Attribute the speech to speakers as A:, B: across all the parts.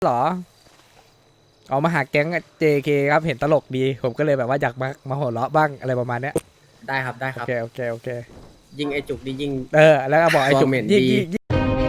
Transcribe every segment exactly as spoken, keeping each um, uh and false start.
A: หรอเอามาหาแก๊ง เจ เค ครับเห็นตลกดีผมก็เลยแบบว่าอยากมามาหัวเราะบ้างอะไรประมาณเนี้ย
B: ได้ครับได้ค
A: โอ
B: รับ
A: เคโอเคโอเค
B: ยิงไอจุกนี่ยิง
A: เออแล้วก็บอกไอ้จุก
B: ตัวเหม็น
A: ยิ่ง
B: ดี
A: ยิ่งยิ่ง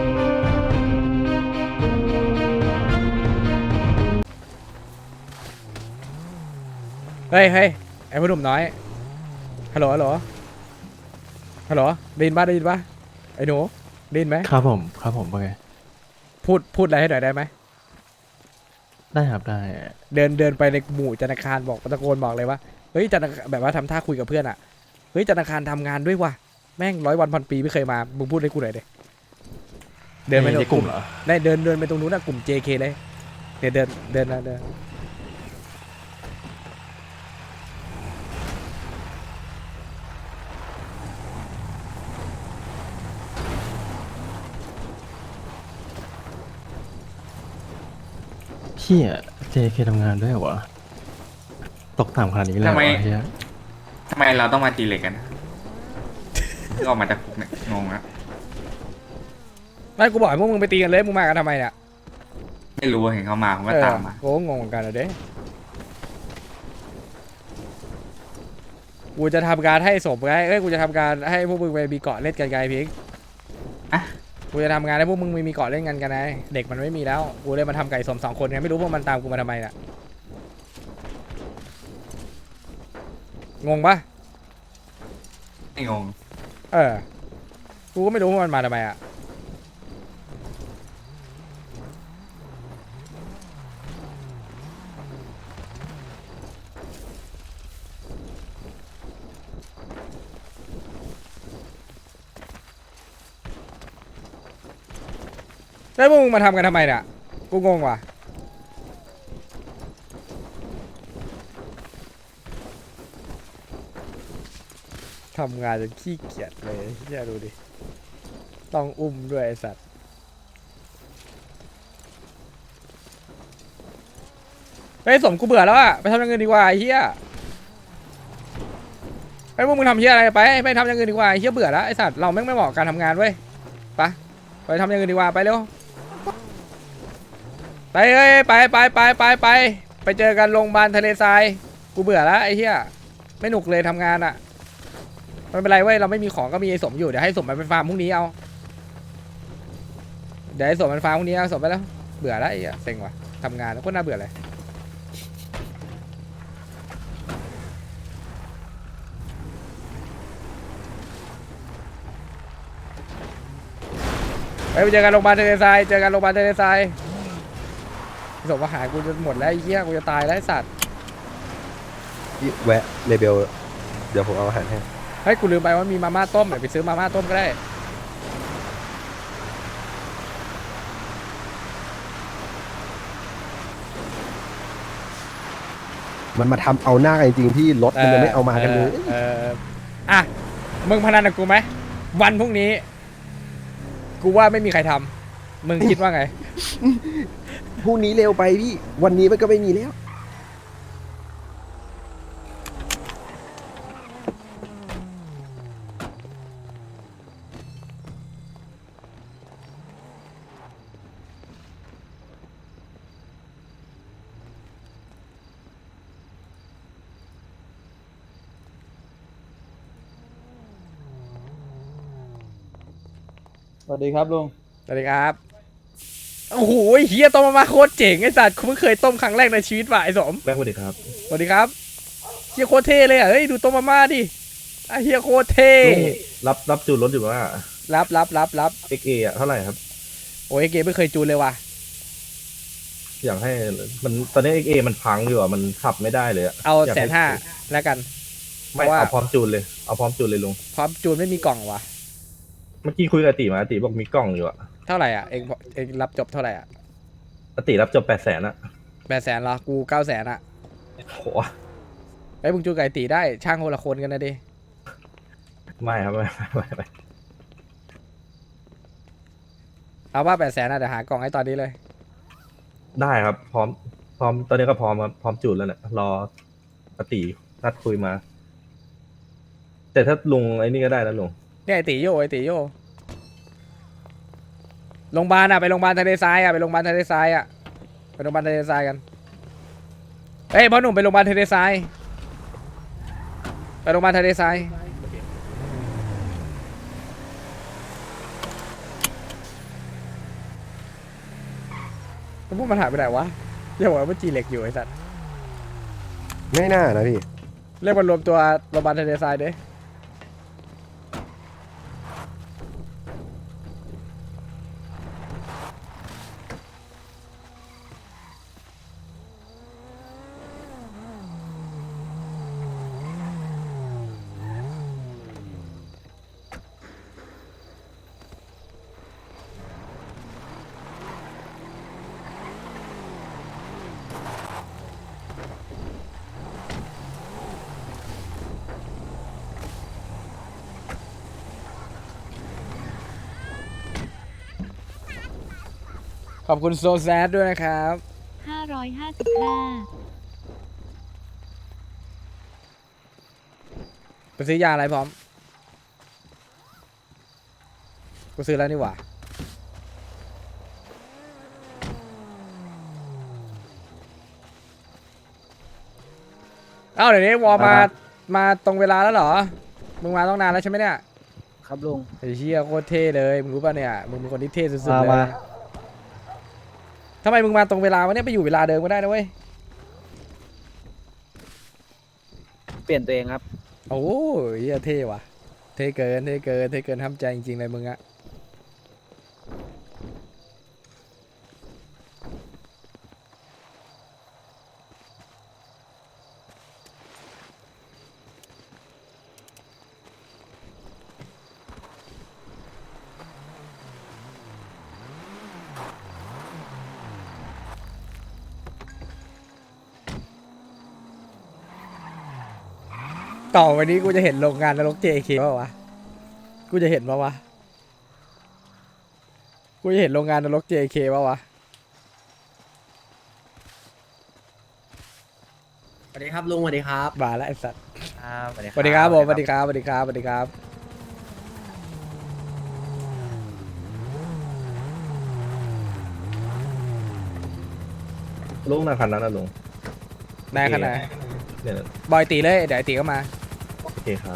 A: เฮ้ยเฮ้ยไอ้ผู้หนุ่มน้อยฮัลโหลฮัลโหลฮัลโหลได้ยินป่ะได้ยินป่ะไอ้หนูได้ยินไหม
C: ครับผมครับผมว่าไง
A: พูดพูดอะไรให้หน่อยได้ไหม
C: ได้ครับได้
A: เดินเดินไปในหมู่ธนาคารบอกตะโกนบอกเลยว่าเฮ้ยธนาคารแบบว่าทำท่าคุยกับเพื่อนอ่ะเฮ้ยธนาคารทำงานด้วยว่ะแม่งร้อยวันพันปีไม่เคยมามึงพูดให้กูหน่อยดิเดินไป
C: ในกลุ่มเหรอ
A: ได้เดินเดินไปตรงนู้นนะกลุ่ม เจ เค เลยเดี๋ยวเดินเดินนะเดิน
C: พี่อะเจเคทำงานด้วยเหรอวะตกต่ำขนาดนี้เลยเหรอ
D: ทำไม
C: วะเฮีย
D: ทำไมเราต้องมาตีเหล็กกันเพิ่งออกมาจากคุกเนี่ยงงนะ
A: ไม่กูบอกให้พวกมึงไปตีกันเลยมึงมากันทำไมเนี่ย
D: ไม่รู้เห็นเขามาผมก็
A: เออ
D: ตามมา
A: โอ้งงเหมือนกันอะเด้กูจะทำการให้สมไงเอ้ยกูจะทำการให้พวกมึงไปมีเกาะเล่นกันไงพิง
D: อ่ะ
A: กูจะทำงานให้พวกมึงมีเกาะเล่นกันกันไงเด็กมันไม่มีแล้วกูเลยมาทำไก่สมสองคนไงไม่รู้พวกมันตามกูมาทำไมน่ะงงปะ
D: ไม่งง
A: เออกูก็ไม่รู้ว่ามันมาทำไมอ่ะแล้วพวกมึงมาทำกันทำไมเนี่ยกูงงว่ะทำงานจนขี้เกียจเลยเฮียดูดิต้องอุ้มด้วยไอ้สัตว์ไอ้ยสมกูเบื่อแล้วอะไปทำอย่างอื่นดีกว่าไอ้เฮียไอ้พวกมึงทำเฮียอะไรไปไปทำอย่างอื่นดีกว่าไอ้เฮียเบื่อแล้วไอ้สัตว์เราแม่งไม่เหมาะกับการทำงานเว้ยไปไปทำอย่างอื่นดีกว่าไปเร็วไปเอ้ยไปไปไปไปไปไปเจอกันโรงพยาบาลทะเลทรายกูเบื่อแล้วไอ้เฮียไม่หนุกเลยทำงานอะไม่เป็นไรเว้ยเราไม่มีของก็มีไอ้สมอยู่เดี๋ยวให้สมมันไปฟาร์มพรุ่งนี้เอาเดี๋ยวให้สมมันฟาร์มพรุ่งนี้เอาสมไปแล้วเบื่อแล้วไอ้เหี้ยเซ็งว่ะทำงานแล้วก็น่าเบื่อเลยไปไปเจอกันโรงพยาบาลทะเลทรายเจอกันโรงพยาบาลทะเลทรายสมอาหารกูจะหมดแล้วไอ้เหี้ยกูจะตายแล้วไอ้สัตว์
E: แวะเลเบลเดี๋ยวผมเอาอาหารให้
A: เฮ้ยกูลืมไปว่ามีมาม่าต้มเดี๋ยวไปซื้อมาม่าต้มก็ได้
E: มันมาทำเอาหน้ากันจริงๆที่รถมันยังไม่เอามากันเลย
A: เออเอออ่ะมึงพนันกับกูไหมวันพรุ่งนี้ กูว่าไม่มีใครทำมึงคิดว่าไง
E: พรุ่งนี้เร็วไปพี่ วันนี้มันก็ไม่มีแล้ว
F: สวัสดีครับลุง
A: สวัสดีครับโอ้โหเฮียต้มมาม่าโคตรเจ๋งไอ้สัตว์กูเพิ่งเคยต้มครั้งแรกในชีวิตว่ะไอ้สม
C: แบงค์สวัสดีครับ
A: สวัสดีครับเฮียโคตรเท่เลยอ่ะเฮ้ยดูต้มมาม่าดิไอ้เฮียโคตรเท่
C: รับรับจูนรถอยู่ว่า
A: รับรับรับรับ
C: เอ็กเออะเท่าไหร่ครับ
A: โอ้ยเกมไม่เคยจูนเลยว่ะ
C: อยากให้มันตอนนี้เอ็กเอมันพังอยู่อ่ะมันขับไม่ได้เลยอะ
A: เอา
C: ยก
A: แสนห้าแล้วกัน
C: ไม่
A: เพราะว่า
C: เอาพร้อมจูนเลยเอาพร้อมจูนเลยลุง
A: พร้อมจูนไม่มีกล่องว่ะ
C: เมื่อกี้คุยกับอาติมาอาติบอกมีกล้องอยู่อ่ะ
A: เท่าไหร่อ่ะเองเองรับจบเท่าไหร่อ่ะ
C: อาติรับจบแปดแสนอะ
A: แปดแสนเหรอกูเก้าแสนอ่ะ
C: โห
A: ไอ้ยมึงจูนไก่ตีได้ช่างคนละคนกันนะดิ
C: ไม่ครับไม่ไม่ไม่ไม่
A: เอาว่าแปดแสนอ่ะเดี๋ยวหากล่องให้ตอนนี้เลย
C: ได้ครับ พร้อมพร้อมตอนนี้ก็พร้อมครับพร้อมจูนแล้วเนี่ยรออาตินัดคุยมา แต่ถ้าลุงไอ้นี่ก็ได้นะลุง
A: เนี่ยไอตีโยไอตีโยโรงพยาบาลอ่ะไปโรงพยาบาลทะเลทรายอ่ะไปโรงพยาบาลทะเลทรายอ่ะไปโรงพยาบาลทะเลทรายกันเอ้ยพ่อหนุ่มไปโรงพยาบาลทะเลทรายไปโรงพยาบาลทะเลทรายแล้วพวกมันหายไปไหนวะเรียกว่ามันจีเหล็กอยู่ไอ้สัตว์
E: ไม่น่านะพี่
A: เรียกมันรวมตัวโรงพยาบาลทะเลทรายเด้ ขอบคุณโซแซดด้วยนะครับ
G: ห้าร้อยห้าสิบห้า
A: ไปซื้อยาอะไรพร้อม กูซื้อแล้วนี่หว่า เอ้าเดี๋ยวนี้วอลมา มาตรงเวลาแล้วเหรอ มึงมาต้องนานแล้วใช่ไหมเนี่ย
F: ครับลุง
A: ไอ้เชี่ยโคตรเท่เลย มึงรู้ป่ะเนี่ย มึงเป็นคนที่เท่สุดๆ
F: มา
A: เลย
F: มา
A: ทำไมมึงมาตรงเวลาวะเนี่ยไปอยู่เวลาเดิมก็ได้นะเว้ย
F: เปลี่ยนตัวเองครับ
A: โอ้ยเหี้ยเท่ว่ะ เท่เกิน เท่เกิน เท่เกินทำใจจริงๆเลยมึงอะ ต่อไปนี้กูจะเห็นโรงงานนรก เจ เค ป่าวะ กูจะเห็นป่าวะ กูจะเห็นโรงงานนรก เจ เค ป่าวะ
B: สวัสดีครับลุงสวัสดีครับ
A: มาแล้วไอ้สัตว์
B: สวัสดี
A: สวัสดีครับผมสวัสดีครับสวัสดีครับสวัสดีครับ
C: ลุงหน้าคันนั้นนะลุง
A: นายขนาด
C: เนี่ยนะ
A: บอยตีเลย เดี๋ยวไอ้ตีก็มา
C: โอเคครับ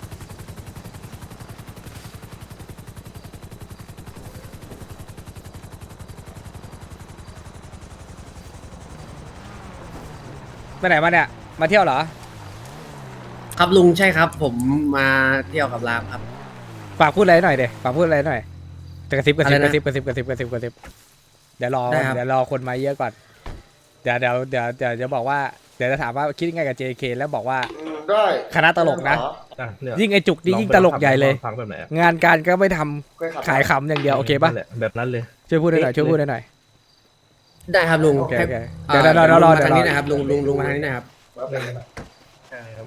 A: ไปไหนมาเนี่ย มาเที่ยวเหรอ
B: ครับลุงใช่ครับ ผมมาเที่ยวกับรามครับ
A: ฝากพูดอะไรหน่อยเดี๋ยวฝากพูดอะไรหน่อยจะกระซิบกระซิบ
B: อะไร
A: ก
B: นะ
A: ระซิบกระซิบกระซิบกระซิบกระซิบเดี๋ยวรอ
B: ได้ครับ
A: เดี๋ยวรอคนมาเยอะก่อน เดี๋ยวเดี๋ยวเดี๋ยวเดี๋ยวจะบอกว่า เดี๋ยวจะถามว่าคิดยังไงกับ เจ เค แล้วบอกว่า
H: ได้
A: คณะตลกนะ
C: อ่ะเนี่ย
A: ยิ่งไอจุกนี่
C: อง
A: ยิ่ง
C: ไป
A: ตลกใหญ่เลย
C: ฟังแบบไหนอะ
A: งานการก็ไม่ทำ
H: เคยขับ
A: ขายขำอย่างเดียวโอเคปะ
C: นั่นแหละแบบนั้นเลย
A: ช่วยพูดหน่อยช่วยพูดหน่อย
B: ได้ครับลุง
A: โอเคโอเค
B: เอ่อ
A: เดี๋ยวเดี๋ยวเดี๋ยวรอ
B: ลุง
A: เดี๋ยว
B: มาทาง
A: รอ
B: นี้นะครับลุงลุงลุงมาทางนี้นะครับ
C: ใช่ครับ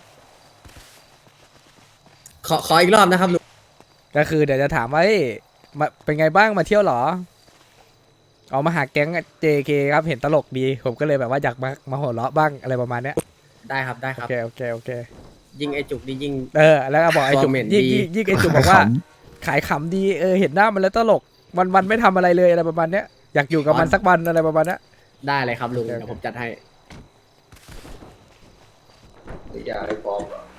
B: ขอขออีกรอบนะครับลุง
A: ก็คือเดี๋ยวจะถามว่าเฮ้ยมาเป็นไงบ้างมาเที่ยวเหรอออกมาหาแก๊ง เจ เค ครับเห็นตลกดี ผมก็เลยแบบว่าอยากมามาหัวเราะบ้างอะไรประมาณเนี้ย
B: ได้ครับได้ค
A: โอ
B: รับ
A: เคโอเคโอเค
B: ยิงไอจุกดียิง
A: เออแล้วก็บอกไอ้จุก
B: Comment
A: ยิ่ง
B: ดี
A: ยิ่งยิ่งไอ้จุกบอกว่า ขายขำดีเออเห็นหน้ามันแล้วตลกวันวันๆไม่ทำอะไรเลยอะไรประมาณเนี้ยอยากอยู่กับมันสักวันอะไรประมาณเนี้ย
B: ได้เลยครับลุง
A: โอเค
B: เดี๋ยวผมจัดให้
H: อย่าให้ฟ้องเหรอ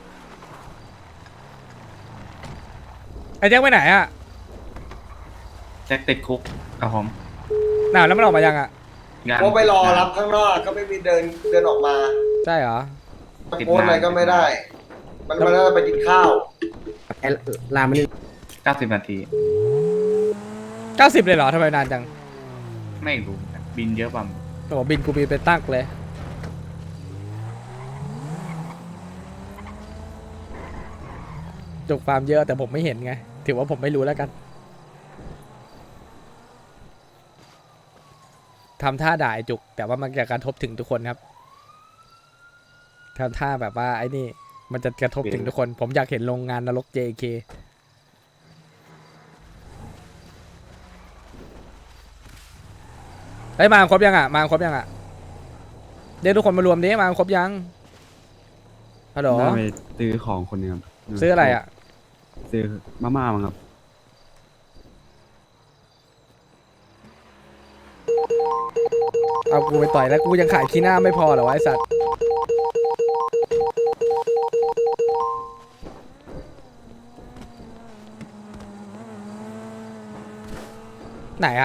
A: ไอ้แจ็คไปไหนอ่ะ
D: แจ็คติดคุกครับผม
A: น่าแล้วมันออกมายังอ่ะ
D: งาน
H: ก็ไปรอรับข้างนอกก็ไม่มีเดินเดินออกมา
A: ใช่เหรอ
H: ตะโกนอะไรก็ไม่ได้ มันมันน่าจะไปกินข้าว
B: ไอ้รามมันนี่
D: เก้าสิบนาที
A: เก้าสิบเลยเหรอทำไมนานจัง
D: ไม่รู้บินเยอะป่ะ
A: โอ้โหบินกูบินไปตั้งเลยจุกฟาร์มเยอะแต่ผมไม่เห็นไงถือว่าผมไม่รู้แล้วกันทำท่าด่าไอ้จุก แต่ว่ามันจะกระทบถึงทุกคนครับทำท่าแบบว่าไอ้นี่ มันจะกระทบถึงทุกคน ผมอยากเห็นโรงงานนรก เจ เค เฮ้ยมาครบยังอ่ะมาครบยังอ่ะเดี๋ยวทุกคนมารวมดิมาครบยังฮัลโหล
I: น่าไปซื้อของคนหนึงครับ
A: ซื้ออะไรอ่ะ
I: ซื้อมาม่ามั้งครับ
A: เอากูไปต่อยแล้วกูยังขายขี้หน้าไม่พอเหรอวะไอสัตว์ไหนอะ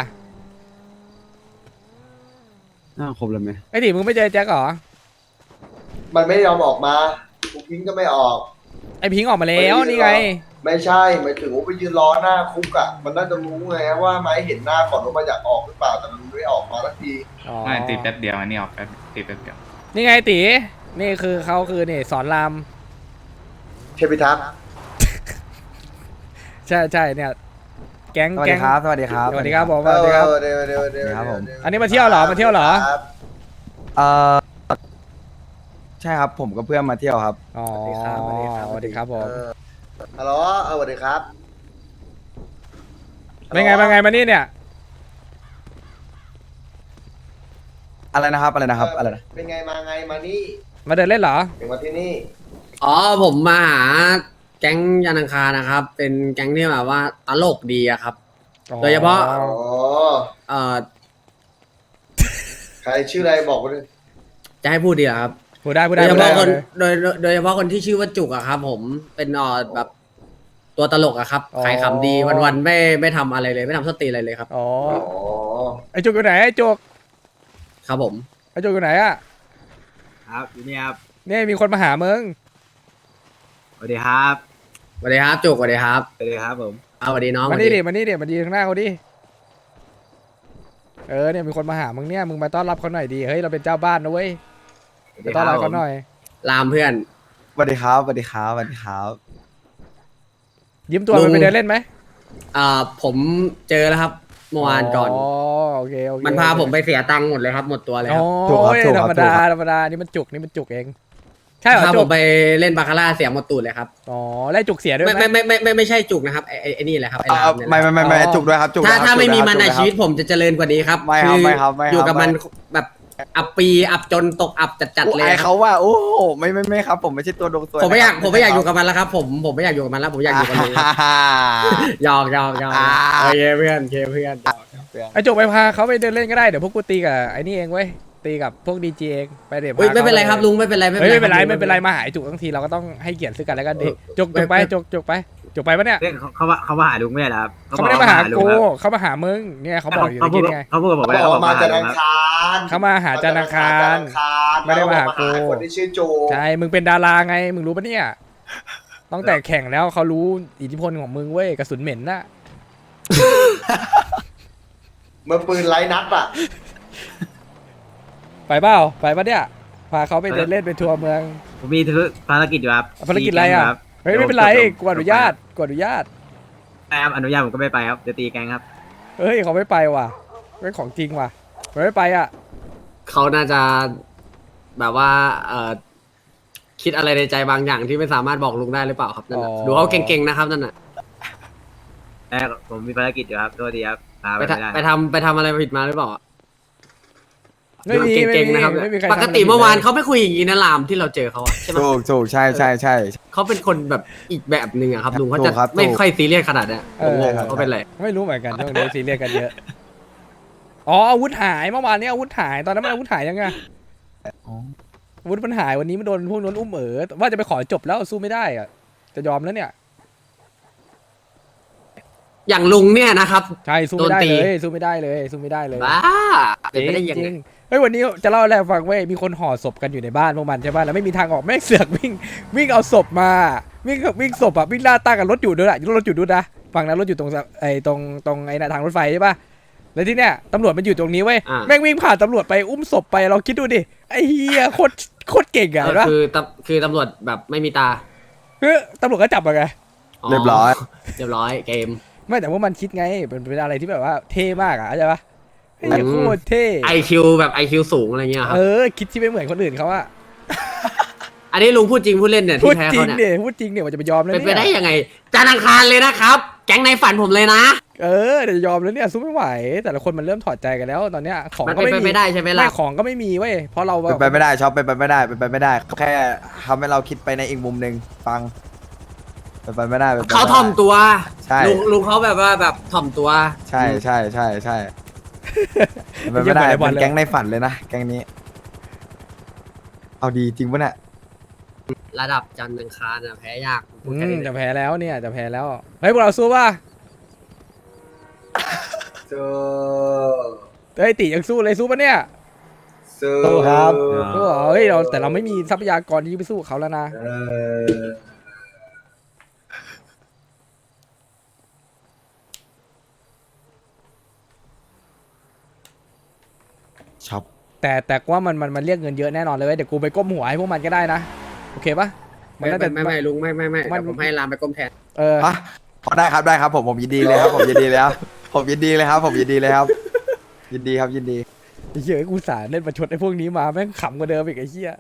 I: น่าครบแล้วไหม
A: ไอ้ดิมึงไม่เจอแจ็คเหรอ
H: มันไม่ยอมออกมาคุกพิงก็ไม่ออก
A: ไอพิงค์ออกมาแล้วนี่ไง
H: ไม่ใช่หมายถึงว่าไปยืนรอหน้าคุกอ่ะมันน่าจะรู้ไงว่าไม้เห็นหน้าก่อนว่ามันอยากออกหรือเปล่าแต่มันไม่ออกมาสักที
A: อ๋อ
D: ไม่ตีแป๊บเดียวอันนี้ออกแป๊บตีแป๊บเดียว
A: นี่ไงตีนี่คือเขาคือนี่สอนราม
H: เทพิทักษ์
A: ใช่ใช่เนี่ยแก๊ง
J: สวัส
A: แก๊
J: ดี
A: ง
J: ครับ สวัสดีครับ
A: สวัสดีครับผมส
H: เอ
A: วัสดีครับ
H: อเดี๋ยวเดี๋ยวเดี๋ยว
J: ครับผม
A: อันนี้มาเที่ยวเหรอมาเที่ยวเหรอ
H: ครับ
J: เอ่อ ใช่ครับ ผมกับเพื่อนมาเที่ยวครับ
A: อ๋อ
J: สวัสดีครับ
A: สวัสดีครับผม
H: เออฮัลโหลเออสวัสดีครับ
A: เป็นไงเป็นไงมานี่เนี่ย
J: อะไรนะครับ อะไรนะครับ อะไรนะ
H: เป็นไงมาไงมานี่
A: มาเดินเล่นเหรอ
H: ถึงมาที่นี่
B: อ๋อผมมาหาแก๊งยานังคารนะครับ เป็นแก๊งที่แบบว่าตลกดีอะครับ โดยเฉพาะ
H: อ๋อ
B: เอ่อ
H: ใครชื่ออะไรบอกมาเลย
B: จะให้พูดดีเหรอครับ
A: พูดได้พูด
B: โด
A: ได้
B: ยเฉ
A: พูดได้
B: พาะคนโดยโดยโดยเฉพาะคนที่ชื่อว่าจุกอะครับ ผมเป็นเอ่อแบบตัวตลกอะครับขายขำดีวันๆไม่ไม่ทำอะไรเลย ไม่ทำสติอะไรเลยครับ
A: อ๋อ
H: อ๋อ
A: ไอจุกอยู่ไหนไอจุก
B: ครับผม
A: ไอจุกอยู่ไหนอะ
F: ครับอยู่นี่ครับ
A: นี่มีคนมาหามึง
F: สวัสดีครับ
B: สวัสดีครับจุกสวัสดีครับ
F: สวัสดีครับผม
B: เอาสวัสดีน้อง
A: มานี่
B: สวัส
A: ดิมานี่ดิมาดีข้างหน้าเขาดิเออเนี่ยมีคนมาหามึงเนี่ยมึงมาต้อนรับเขาหน่อยดีเฮ้ยเราเป็นเจ้าบ้านนะเว้ยไปต้อนรับเขาหน่อย
B: ลามเพื่อน
J: สวัสดีครับ สวัสดีครับ สวัสดีครับ
A: ยิ้มตัว
B: ลุง
A: มันไปเดินเล่นไหม
B: อ่าผมเจอแล้วครับเมื่อวานก่อน
A: อ๋อโอเคโอเค
B: มันพาผมไปเสียตังค์หมดเลยครับหมดตัวเลยค
A: โอ้
B: รับ
J: ถูกครับ
A: ย
J: ถูก
A: ธ
J: ค
A: ร
J: รับ
A: รมดา
J: ถูกครับ
A: ธรรมดานี่มันจุกนี่มันจุกเองใช่เหรอ
B: พา
A: จุ
B: ผ
A: ก
B: มไปเล่นบาคาร่าเสียหมดตูดเลยครับ
A: อ๋อไล่จุกเสียด้วย
B: ไม่
A: ไหม
B: ไม่ไม่ไม่ไม่ไม่ใช่จุกนะครับไอ้ไอ้ไอ้นี่แหละครับไอ้
J: อ่า
B: ลามเนี่ยแห
J: ไม่
B: ละ
J: ไม่ไม่ไม่
A: อ๋อ
J: จุกด้วยครับ จุก
B: ถ้า
J: ด้วยครับ
B: ถ้าไม่มี
J: จุก
B: มัน
J: ด้วย
B: ใน
J: ครับ
B: ชีวิตผมจะเจริญกว่านี้ครับ
J: ไม่ครับ
B: อ
J: ไม่ครับไม่ครับ
B: อยู่กับมัน
J: ไม่
B: แบบอับปีอับจนตกอับจัด
J: โอ้
B: ๆเลย
J: ไอ
B: ครั
J: เขา
B: บ
J: ว่า โอ้โหไม่ไม่ไม่ครับ ผมไม่ใช่ตัวดวงตัว
B: ผมไม่อยาก
J: นะครับ
B: ผมไม่อยากอยู่กับมันแล้วครับ ผมผมไม่อยากอยู่กับมันแล้วผมอยากอยู่กับลุงครับ
J: อ่า
B: หยอกหยอกหยอก
J: อ่า
B: โอเคเพื่อนโอเคเพื่อน
A: ไอจุกไปพาเขาไปเดินเล่นก็ได้เดี๋ยวพวกกูตีกับไอ้นี่เองเว้ยตีกับพวกดีจีเองไปเดี๋ยว
B: เฮ้ย
A: พา
B: ไม่เป็นไร
A: ขา
B: ครับลุงไม่เป็นไรไม่
A: เฮ้ย
B: เป็นไร
A: ไม่เป็นไร
B: คบ
A: ไม่เป็นไรมาหาไอ้จุกทั้งทีเราก็ต้องให้เกียรติซึ่งกันและกันดิ
B: เออ
A: จุกจุกไป
B: ไม่
A: จุกจุกไปจุกไปปะเนี่ย
F: เรื่องเขาเขาว่าเขามาหาลุงไม่ใช่เหรอครับ
A: เขาไม่ได้มาหา
F: ลุ
A: กู
F: งครับ
A: เขามาหามึงเนี่ยเขาบอกอยู่
F: เขา
A: เมื่อ
F: พูด
A: กี้ไง
F: เขาพูดกับผม
H: เขา
F: ไว้
H: บอกว่ามาจาก
F: ลุ
H: อั
F: ง
H: ง
F: ครับ
H: คาร
A: เขามาหาจันทร์อังคาร ไม่ได้มาหากู
H: คนที่ชื่อโจ
A: ใช่มึงเป็นดาราไงมึงรู้ปะเนี่ยตั้งแต่แข่งแล้วเขารู้อิทธิพลของมึงเว้ยกระสุนเหม็นน่ะ
H: เมื่อปืนไร้นัดอ่ะ
A: ไปเปล่าไปปะเนี่ยพาเขาไปเดินเล่นไปทัวร์เมือง
F: ผมมีธุรภารกิจอยู่ครับ
A: ภารกิจอะไรอ่ะ
F: ตีแก๊งคบ
A: เฮ้ยไม่เป็นไร
F: ดี๋ยว
A: กูอนุญาตกูอนุญาต
F: ใช่ครับอนุญาตผมก็ไม่ไปครับเดี๋ยวตีแกงครับ
A: เฮ้ยเขาไม่ไปว่ะเป็นของจริงว่ะเขาไม่ไปอ่ะ
B: เขาน่าจะแบบว่าเอ่อคิดอะไรในใจบางอย่างที่ไม่สามารถบอกลุงได้หรือเปล่าครับนั่นน่ะดูเขาเก่งๆนะครับนั่นน่ะ
F: แต่ผมมีภารกิจอยู่ครับโทษทีครับพาไป
B: ไป
F: ไม่
B: ทำ
F: ได้
B: ไปทำไปทำอะไรผิดมาหรือเปล่า
A: ไม่มีไม่
B: เก่ง
A: มี
B: ๆนะครับ
A: ไม่มีใคร
B: ปกติเมื่อวานเขาไม่คุยอย่างนี้นะลามที่เราเจอเขาอะใช่ไหม
J: ถูกถูกใช่ใช่ใช่
B: เขาเป็นคนแบบอีกแบบหนึ่งอะครับลุงเขา
J: ถู
B: จะ
J: กครับ
B: ไม่
J: ถูก
B: ค่อยซีเรียสขนาดเนี้ย
A: เอ
B: ผมง
A: อง
B: เขาเป็นไร
A: ไม่รู้เหมือนกันช่วงนี้ซีเรียสกันเยอะอ๋ออาวุธหายเมื่อวานนี้อาวุธหายตอนนั้นมันอาวุธหายยังไงอาวุธมันหายวันนี้มันโดนพวกนั้นอุ้มเอ๋อว่าจะไปขอจบแล้วสู้ไม่ได้อะจะยอมแล้วเนี่ย
B: อย่างลุงเนี่ยนะครับ
A: ใช่สู้ไม่ได้
B: โดนตี
A: เลยสู้ไม่ได้เลยสู้ไม่ได้เลย
B: บ้าเป็นไปได้ยัง
A: จ
B: ไง
A: ริงๆเฮ้ยวันนี้จะเล่าอะไรให้ฟังเว้ยมีคนห่อศพกันอยู่ในบ้านพวกมันใช่ป่ะแล้วไม่มีทางออกแม่งเสือกวิ่งวิ่งเอาศพมาวิ่งวิ่งศพอะวิ่งล่าตั้งกับรถอยู่ด้วยอะรถอยู่ด้วยนะฝั่งนั้นรถอยู่ตรงไอ้ตรงตรงไอ้น่ะทางรถไฟใช่ป่ะแล้วที่เนี้ยตำรวจมันอยู่ตรงนี้เว้ย
B: อ่า
A: แม่งวิ่งผ่านตำรวจไปอุ้มศพไปเราคิดดูดิไอ้เฮียโคตรโคตรเก่งอะเห็นปะ
B: คือตำคือตำรวจแบบไม่มีตา
A: เฮ้ยตำรวจก็จับมาไง
B: อ๋อ
J: เรียบร้อย
B: เรียบร้อยเกม
A: ไม่แต่ว่ามันคิดไงเป็นเป็นอะไรที่แบบว่าเท่มากอะเข้าใจปะไอ้เหี้ย
B: อืม
A: โคตรเท่
B: ไอคิวแบบไอคิวสูงอะไรเงี้ยครับ
A: เออคิดที่ไม่เหมือนคนอื่นเขาอะ
B: อันนี้ลุงพูดจริงพูดเล่นเนี่ย
A: พู
B: ที่
A: ด
B: แพ้
A: จริ
B: เขา
A: ง
B: เนี่ย
A: เนี่ยพูดจริงเนี่ยว่าจะไปยอมแล้ว
B: เป็นไป
A: เนี่ย
B: ได้ยังไงจานทร์อังคารเลยนะครับ แก๊งในฝันผมเลยนะ
A: เออเดี๋ยวจะยอมแล้วเนี่ยสู้ไม่ไหว แต่ละคนมันเริ่มถอดใจกันแล้วตอนเนี้ยของ
B: มัน
A: ก็
B: เป็น
A: ไม่
B: ไป
A: มี
B: ไม่ได้ใช่ไหมล่ะ
A: ไม่ของก็ไม่มีเว้ยเพราะเราแบ
J: เป็น
A: บ
J: ไปไม่ได้ชอบเป็นไปไม่ได้เป็นไปไม่ได้ แค่ทำให้เราคิดไปในอีกมุมหนึ่งฟังเป็นไปไม่ได้เป็นไปไม่ได้
B: เขาถ่อมตัว
J: ใช่
B: ลุงลุงเขาแบบว่าแบบถ่อมตัว
J: ใช่ใช่ใช่ใช่เป็นไม่ได้
A: เยี่ยมกว่าในบอล
J: เป็น
A: เลย
J: แก๊งในฝันเลยนะแก๊งนี้ เอาดีจริงปะเนี่ย
B: ระดับจันทร์อังคารอะแพ้ยากพู
A: อื
B: ดแค่
A: ม
B: นี้เล
A: จะ
B: ย
A: แพ้แล้วเนี่ยจะแพ้แล้วเฮ้ยพวกเราสู้ป่ะ
H: เจอ
A: เฮ้ยติยังสู้เลยสู้ป่ะเนี่ย
H: เจอ
J: สู้ครับ
A: สู้เหรอเฮ้ยเราแต่เราไม่มีทรัพยากรที่ไปสู้กับเขาแล้วนะ
H: เออ
J: ช็อป
A: แต่แต่ว่ามันมันมันเรียกเงินเยอะแน่นอนเลยเว้ยเดี๋ยวกูไปก้มหัวให้พวกมันก็ได้นะโอเคปะมัน
B: ไม่
A: น่าจะ
B: ไม่ไม่ลุงไม่ไม่ไม่
A: มัน
B: เดี๋ยวผมให้รามไปก้มแทน
A: เออ
J: อ่ะพอได้ครับได้ครับผมผมยินดีเลยครับ ผมยินดีเลยครับผมยินดีเลยครับ ผมยินดีเลยครับ ยินดีครับยินดี
A: ไอ้เหี้ยกูสารเล่นประชดไอ้พวกนี้มาแม่งขำกว่าเดิมอีกไอ้เหี้ย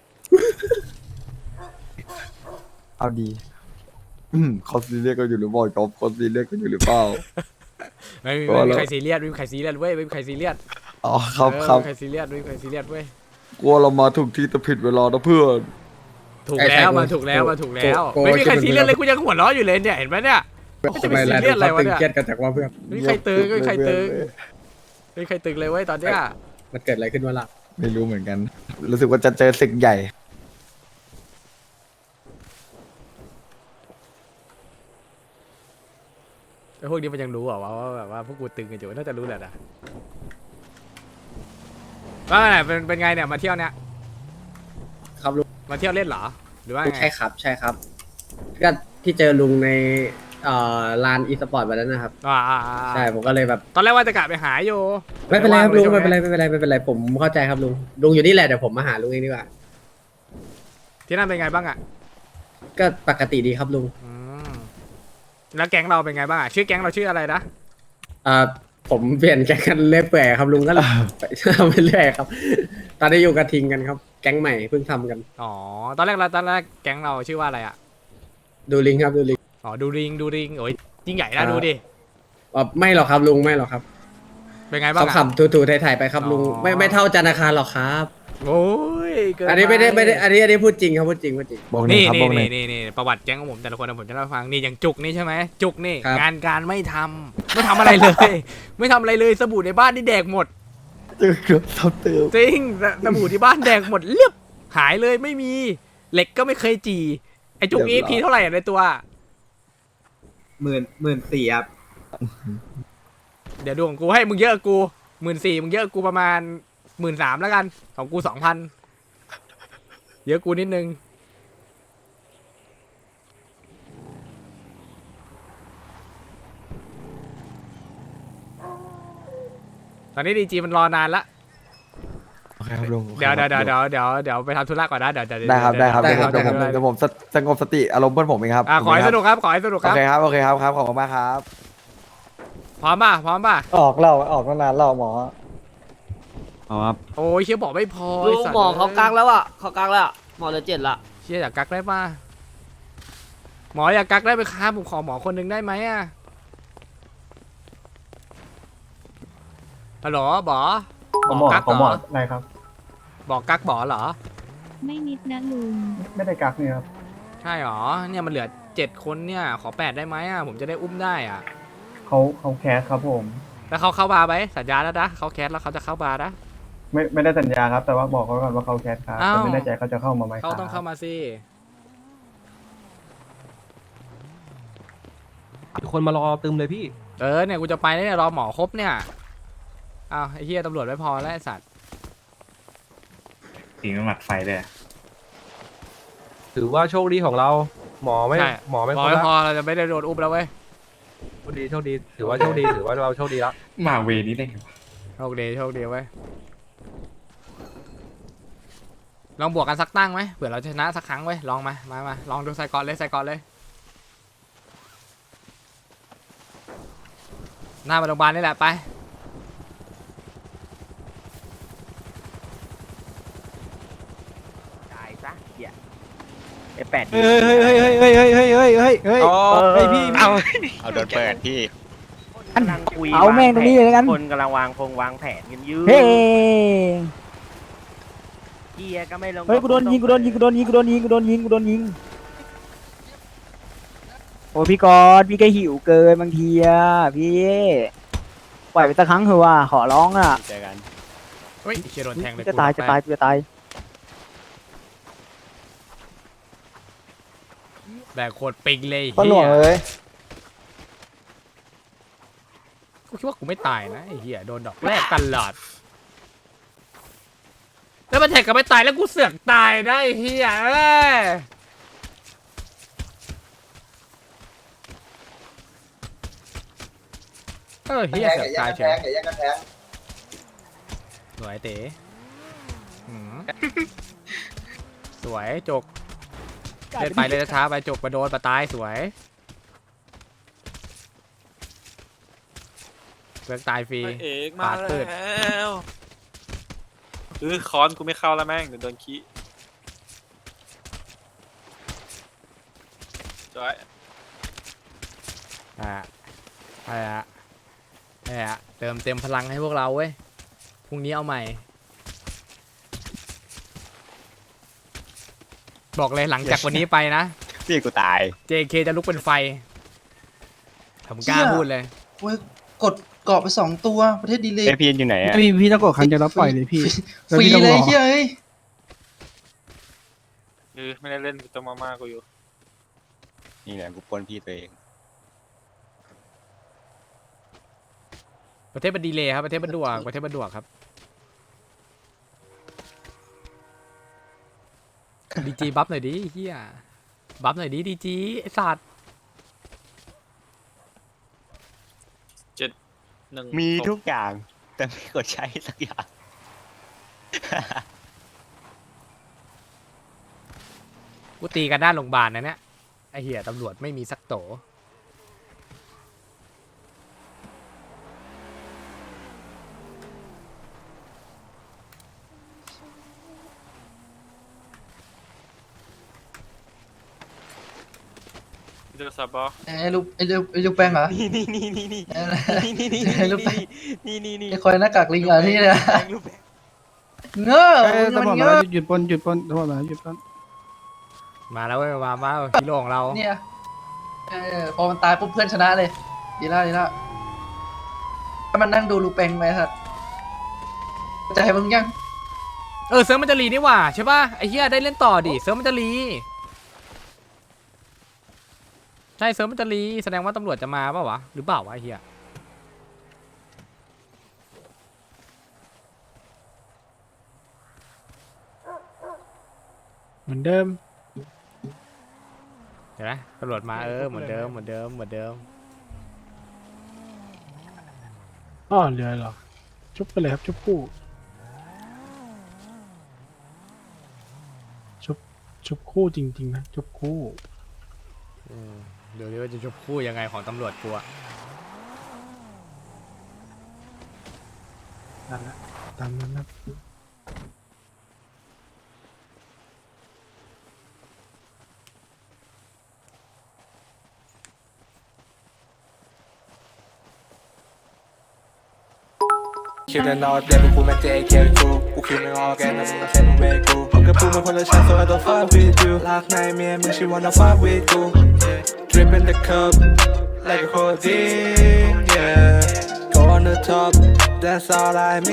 J: เอาดี อืมเขาซีเรียสกันอยู่หรือเปล่าจ๊อบเขาซีเรียสกันอยู่หรือเปล่า
A: ไม่มี
J: ก็
A: ไม่มี
J: แล้ว
A: ใครซีเรียสไม่มีใครซีเรียสเว้ยไม่มีใครซีเรียส
J: อ๋อครับ
A: เออ
J: ครับ
A: ไม่มีใครซีเรียสไม่มีใครซีเรียสเว้ย
J: กลัวเรามาถูกที่แต่ผิดเวลานะเพื่อน
A: ถูก
B: ใช่
A: แล้ว
B: ใช่
A: มาถูกแล้ว
B: โก
A: มาถูกแล้ว
B: โก
A: ไม่มีใคร
B: โก
A: ซีเรียสเลยกูยังหัวเราะอยู่เลยเนี่ยเห็นไหมเนี่ยไม่จะไปซีเรียสอะไรวะเนี่ย
B: กันจากว่าเพื่อน
A: ไม่มีใครตึงไม่มีใครตึงไม่มีใครตึงเลยเว้ยตอนเนี้ย
B: มันเกิดอะไรขึ้นวะล่ะ
J: ไม่รู้เหมือนกัน รู้สึกว่าจะเจอศึกใหญ่
A: ไอ้พวกนี้มันยังรู้เหรอว่าว่าแบบว่าพวกกูตึงกันอยู่น่าจะรู้แหละนะว่าไงเป็นเป็นไงเนี่ยมาเที่ยวเนี่ย
B: ครับลุง
A: มาเที่ยวเล่นเหรอหรือว่าไง
B: ใช่ครับใช่ครับก็ที่เจอลุงในเอ่อลานอีสปอร์ตวันนั้นนะครับ
A: อ่าอ่าอ่า
B: ใช่ผมก็เลยแบบ
A: ตอนแรกว่าจะกะไปหาอยู่
B: ไม่เป็นไรครับลุง
A: ว่าง
B: ไม่เป็นไร
A: ใช่ห
B: ไม่เป็นไรไม่เป็นไรผมเข้าใจครับลุงลุงอยู่นี่แหละเดี๋ยวผมมาหาลุงเองดีกว่า
A: ที่นั่นเป็นไงบ้างอ่ะ
B: ก็ปกติดีครับลุง
A: อืมแล้วแก๊งเราเป็นไงบ้างอ่ะชื่อแก๊งเราชื่ออะไรนะ
B: เอ่อผมเปลี่ยนแก๊งกันเรื่อยเปื่อยครับลุงก็เลยไปทำไปเรื่อยครับ ตอนนี้อยู่กระทิงกันครับ แก๊งใหม่เพิ่งทำกัน
A: อ๋อตอนแรกเราตอนแรกแก๊งเราชื่อว่าอะไรอ่ะ
B: ดูลิงครับดูลิง
A: อ๋อดูริงดูริงโอ้ยยิ่งใหญ่นะดูดิ
B: อ๋อไม่หรอกครับลุงไม่หรอกครับ
A: เป็นไงบ้าง
B: เขา
A: อ่ะ
B: ขับถูๆถ่ายๆไปครับลุง
A: อ๋อ
B: ไม่ไม่เท่าจันทร์อาคารหรอกครับ
A: โอ้ยเกิ
B: อันนี้ไม่ได้ไม่ได้อันนี้อันนี้พูดจริงครับพูดจริงพูดจริง
J: บอกหนึ่ง
A: นี่
J: ครับ
A: นี่
J: บอกหนึ่
A: นี่
J: ง
A: นี่นี่ประวัติแก๊งของผมแต่ละคนนะผมจะเล่าให้ฟังนี่อย่างจุกนี่ใช่ไหมจุกนี่
B: ครับ
A: งานการไม่ทำไม่ทำอะไรเลย ไม่ทำอะไรเลยสบู่ในบ้านนี่แดกหมด
J: เจอเกือบเท่าเติม
A: จริงสบู่ที่บ้านแดกหมดเรียบหายเลยไม่มีเหล็กก็ไม่เคยจีไอจุกอีพีเท่าไหร่อะในตัว
F: หมื่นหมื่นสี่ครับ
A: เดี๋ยวดูของกูให้มึงเยอะกว่ากูหมื่นสี่มึงเยอะกว่ากูประมาณหมื่นสามแล้วกันของกูสองพันเยอะกูนิดนึงตอนนี้ดีจีมันรอนานละ
J: โอเคครับลุง
A: เดี๋ยวเดี๋ยวเดี๋ยวเดี๋ยวเดี๋ยวเดี๋ยวไปทำธุระก่อนนะเดี๋ยวเดี๋ยว
J: ได้ครับได้ครับ
B: ได้
J: เดี๋ยว
B: ครับ
J: ผม
B: ได้ครับ
J: เดี๋ยวผมสงบสติอารมณ์เพื่อนผมเองครับ
A: อ่ะขอให้สนุกครับขอให้สนุกค
J: โอ
A: รับ
J: เคครับโอเคครับครับขอบคุณมากครับ
A: พร้อมป่ะพร้อมป่ะ
K: ออกเราออกตั้งนานเราหมอ
I: เอาครับ
A: โอ้ยเชี่ยบอกไม่พอ
L: ลุ
A: ไอ้
L: ง
A: สัตว์
L: หมอเขากักแล้วอ่ะเขากักแล้วอะหมอเหลือเจ็ดละ
A: เชี่ยอยากกักได้ป่ะหมออยากกักได้ไหมครับผมขอหมอคนหนึ่งได้ไหมอ่ะฮัลโหลบอ
K: หมอ
A: กัก
K: ของ
A: เห
K: หม
A: ร
K: อ
A: อ
K: อะไรครับ
A: บอกกักบอเหรอ
G: ไม่นิดนะลุง
K: ไม่ได้กักนี่ครับ
A: ใช่หรอเนี่ยมันเหลือเจ็ดคนเนี่ยขอแปดได้ไหมอ่ะผมจะได้อุ้มได้อ่ะ
K: เขาเขาแคสครับผม
A: แล้วเขาเข้าบาร์ไหมสัญญาแล้วนะเขาแคสแล้วเขาจะเข้าบาร์นะ
K: ไม่ไม่ได้สัญญาครับ แต่ว่าบอกเขาก่อนว่าเขาแคสครับ
A: อ้าว
K: แต่ไม่แน่ใจเขาจะเข้ามาไหม
A: เขาต้องเข้ามาสิ
E: คนมารอตึมเลยพี่
A: เออเนี่ยกูจะไปแล้วเนี่ยรอหมอครบเนี่ยอ้าวไอ้เหี้ยตำรวจไม่พอแล้วไอ้สัตว์
D: ทิ้งหมัดไฟเลยอะ
E: ถือว่าโชคดีของเรา หมอไม่
A: ใช่
E: หมอไม่
A: หม
E: ค
A: อน ไม่
E: ละ
A: พอเราจะไม่ได้โดนอุ้มแล้วเว้ย
E: โชคดีโชคดีถือว่าโชคดีถือว่าเราโชคดีแล้ว
D: มาเวนี้ได้ไงวะ
A: โชคดีโชคดีเว้ยลองบวกกันสักตั้งไหมเผื่อเราชนะสักครั้งเว้ยลองมามามาลองดูใส่ก่อนเลยใส่ก่อนเลยหน้ามาโรงพยาบาลนี่แหละไป
F: จ่ายซะเหี้ยไอ้แปด
K: เฮ้ยเฮ้ยเฮ้ยเฮ้ยเฮ้ยเฮ้ยเฮ้ยเฮ้ยเฮ้ยเฮ้ยเฮ้ยพี่
F: เอา
E: เอาโดนเปิดพี่
F: กำลังคุย
K: เอาแม่งตรงนี้เลยกัน
F: คนกำลังวางพงวางแผนกันยืด
K: เฮ้ย
F: เกียร์ก็ไม่ลง
K: เฮ้ยกูโดนยิงกูโดนยิงกูโดนยิงกูโดนยิงกูโดนยิงกูโดนยิงโอ้พี่กอดพี่ก็หิวเกินบางทีอะพี่ไหวล่อยไปสักครั้งเถอะว่าขอร้องอ่ะ
E: เจอกัน
A: เฮ้ยเชียโดนแทงเลย
K: จะตายจะตายจะตาย
A: แบกโคตรปิงเลย
J: ปลาหลวง
A: เฮีย
J: เลย
A: กูคิดว่ากูไม่ตายนะไอ้เหี้ยโดนดอกแรกตลอดแล้วมันแทงกันไม่ตายแล้วกูเสือกตายนะไอ้เหี้ยเอ้ยเออ
H: แท
A: เหี้ย
H: ง
A: เสื
H: ไก่
A: อก
H: ย่า
A: ตาง ย
H: กัน
A: เฉ
H: แท
A: ย
H: งไก่ย่างกันแทง
A: สวยเต๋หืมสวยจกเล่นไปเลยช้าๆไปจกไปโดนไปตายสวยเสือกตายฟรี
I: เอก
A: ปาดพืช
I: วเออคอนกูไม่เข้าแล้วแม่งเดี๋ยวโดนขี้จอย
A: อ่ะอ่ะอ่ะเติมเต็มพลังให้พวกเราเว้ยพรุ่งนี้เอาใหม่ บอกเลยหลังจากวันนี้ไปนะ
E: พี่กูตาย
A: เจ เค จะลุกเป็นไฟผมกล้าพูดเลย
F: โอ้ยกดเกาะไปสองตัวประเทศดีเลย
E: เอพีอยู่ไหนอะ
K: พี่พี่ต้องกดครั้งเดียวแล้วปล่อยเลยพี่
F: ฟรีเลยเฮ้ย
I: เออไม่ได้เล่นกูตัวมาม่ากูอยู่
E: นี่แหละกูปล้นพี่ตัวเอง
A: ประเทศมันดีเลยครับประเทศมันด่วกประเทศมันด่วกครับดีจีบัฟหน่อยดิเฮียบัฟหน่อยดิดีจีไอสัตว์
I: หนึ่ง
E: มี
I: ศพ
E: ทุกอย่าง แต่ไม่กดใช้สักอย่าง
A: กูตีกันหน้าโรงพยาบาลนะเนี่ยไอเหี้ยตำรวจไม่มีสักโต
I: เดือดซับบอ
F: ไอ้ลูกไอ้ลูกไอ้ลูกแป้งเหรอ
E: นี่นี่นี่นี่นี่
F: นี่นี่นี่
E: นี่
F: ลูกแป้ง
E: นี่นี่นี่
F: ไอ้คอยหน้ากากลิงเหรอที่เนี่ย
E: ลูกแป้ง
F: เง้อ
K: เอ้ย
F: มั
K: ตำรวจ
F: น
K: มา
F: เง้อ
K: หยุดปล้นหยุดปล้นตำรวจมาหยุดปล้น
A: มาแล้วเว้ยมามาฮีโร่ของเรา
F: เนี่ยเออพอมันตายปุ๊บเพื่อนชนะเลยดีแล้วดีแล้วถ้ามันนั่งดูลูกแป้งไหมครับจะให้มึงยัง
A: เออเซิร์ฟมันจะรีนี่หว่าใช่ป่ะไอเหี้ยได้เล่นต่อดิเซิร์ฟมันจะรีใช่เซิร์ฟมันจะรีแสดงว่าตำรวจจะมาเปล่าวะหรือเปล่าวะไอเหี้ยเหมือนเดิมเห็นไหมตำรวจมาเออเหมือนเดิมเหมือนเดิมเหมือนเดิม
K: อ๋อเรือเหรอชุบไปเลยครับชุบคู่ชุบชุบคู่จริงๆนะชุบคู่
A: อืมเดี๋ยวนี้ว่าจะชบคู่ยังไงของตำรวจกูอะ
K: นั่นแหละตามนั้นนะ
M: คิดแต่นอนเด็กกูมา เจ เค กูกูคิดไม่ออกแกนะมึงมาเซ็นเวกูผมกับกูมันคนละชั้น so I don't fuck with you ลากในเมียมึง she wanna fuck with กู drip in the cup like a codeine yeah go on the top that's all I mean